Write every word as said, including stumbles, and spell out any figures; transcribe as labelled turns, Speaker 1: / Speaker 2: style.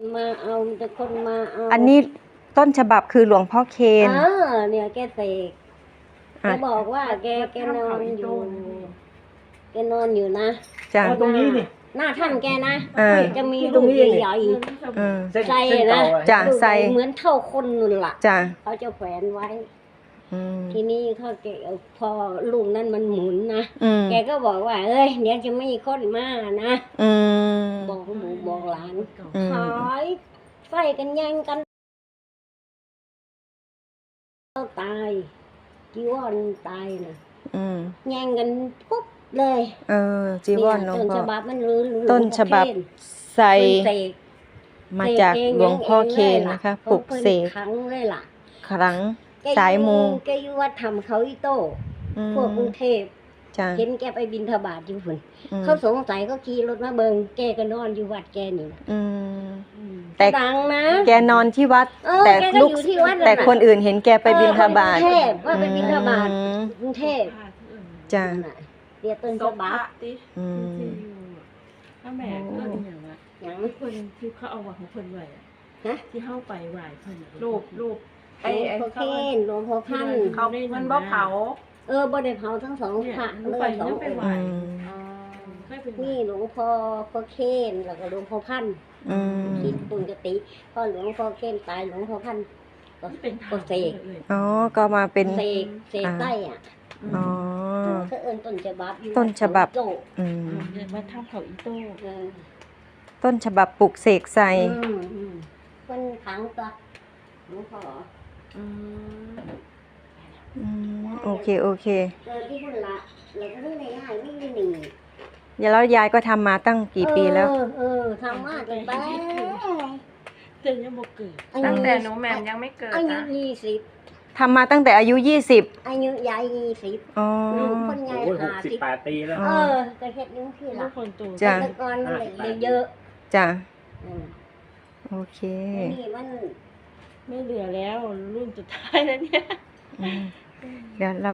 Speaker 1: มาเอาแต่คนมาเอา
Speaker 2: อันนี้ต้นฉบับคือหลวงพ่อเคน
Speaker 1: เออเนี่ยแกเสกแกบอกว่าแกแกนอนอยู่แกนอนอยู่นะ
Speaker 2: จ้ะ
Speaker 3: ตรงนี้นี่
Speaker 1: หน้าถ้ำแกนะจะมี
Speaker 3: ตรงนี้
Speaker 1: ใหญ่
Speaker 3: ใส่นะ
Speaker 2: จ้ะใส่
Speaker 1: เหมือนเท่าคนนู่นล่ะ
Speaker 2: จ้ะ
Speaker 1: เขาจะแขวนไว้ทีนี้เขาแกพอลูกนั้นมันหมุนนะแกก็บอกว่าเอ้ยเดี๋ยวจะไม่คนมานะบอกหมูบอกหลานขายไฟกันแย่งกันตายจีวรตายนะแย่งกันปุ๊บเลย
Speaker 2: เออจีวรหลวงพ่อ
Speaker 1: ต้นฉบับมันรู้
Speaker 2: ต้นฉบับใส่มาจากหลวงพ่อเคนนะคะปลุกเสก
Speaker 1: ครั้งเลยล่ะ
Speaker 2: ครั้งสายมู
Speaker 1: แกอยู่วัดทำเขาอีโต้พวกกรุงเทพเห็นแกไปบิณฑบาตอยู่ฝุ่นเขาสงสัยก็ขี่รถมาเบิงแกก็นอนอยู่วัดแกนี่แต่ดังนะ
Speaker 2: แกนอนที่วัดแต่ลูกแต่คนอื่นเห็นแกไปบิณฑบาต
Speaker 1: กรุงเทพว่าไปบิณฑบาตกรุงเทพ
Speaker 2: จ้ะ
Speaker 1: เรียกต้นฉบับ
Speaker 4: ถ้าแม่ก็อย่างว่าอย่างคนที่เขาเอาวัดของคนไหวอ่ะที่เข้าไปไหวคนรูปรูป
Speaker 1: ไอ้ไอ้เคนหลวงพ่อพัน
Speaker 4: เขามันบ่เผา
Speaker 1: เออบ่ได้เผาทั้งสองพระเลยสององค์นี่หลวงพ่อพ่อเคนแล้วก็หลวงพ่อพันคิดปุญกติพอหลวงพ่อเคนตายหลวงพ่อพันก็เป็นก็เสก
Speaker 2: อ๋อก็มาเป็น
Speaker 1: เสกเสกใต้อ่ะ
Speaker 2: อ๋อ
Speaker 1: ก็เอิ้นต้นฉบับ
Speaker 2: ต้นฉบับ
Speaker 4: อืมมาทำเขาอีโต้
Speaker 2: ต้นฉบับปลุกเสกใส่
Speaker 1: คนขังตัวหลวงพ่อ
Speaker 2: อืมโอเคโอเค
Speaker 1: เจอที่พุ่นละแล้วก็ได้ยายไม่ได้หนี
Speaker 2: แล้วยายก็ทำมาตั้งกี่ปีแล้ว
Speaker 1: เออทำมาจนไป
Speaker 4: จนยังบ่เกิด
Speaker 5: ตั้งแต่หนูแหม่มยังไม่เกิด
Speaker 1: อายุยี่สิบ
Speaker 2: ทำมาตั้งแต่อายุยี่สิบ
Speaker 1: อายุยายยี่สิบ
Speaker 2: อ๋อ
Speaker 1: คนยาย
Speaker 3: หกสิบแปดปีแล้ว
Speaker 1: เออจะเฮ็ดนิ้วที่ละ
Speaker 4: คนโต
Speaker 2: จ้ะ
Speaker 1: แต่ก่อนเลยเยอะ
Speaker 2: จ้ะโอเค
Speaker 1: นี่มัน
Speaker 4: ไม่เหลือแล้วรุ่นสุดท้ายแล้วเนี่ย
Speaker 2: เดี๋ยวเรา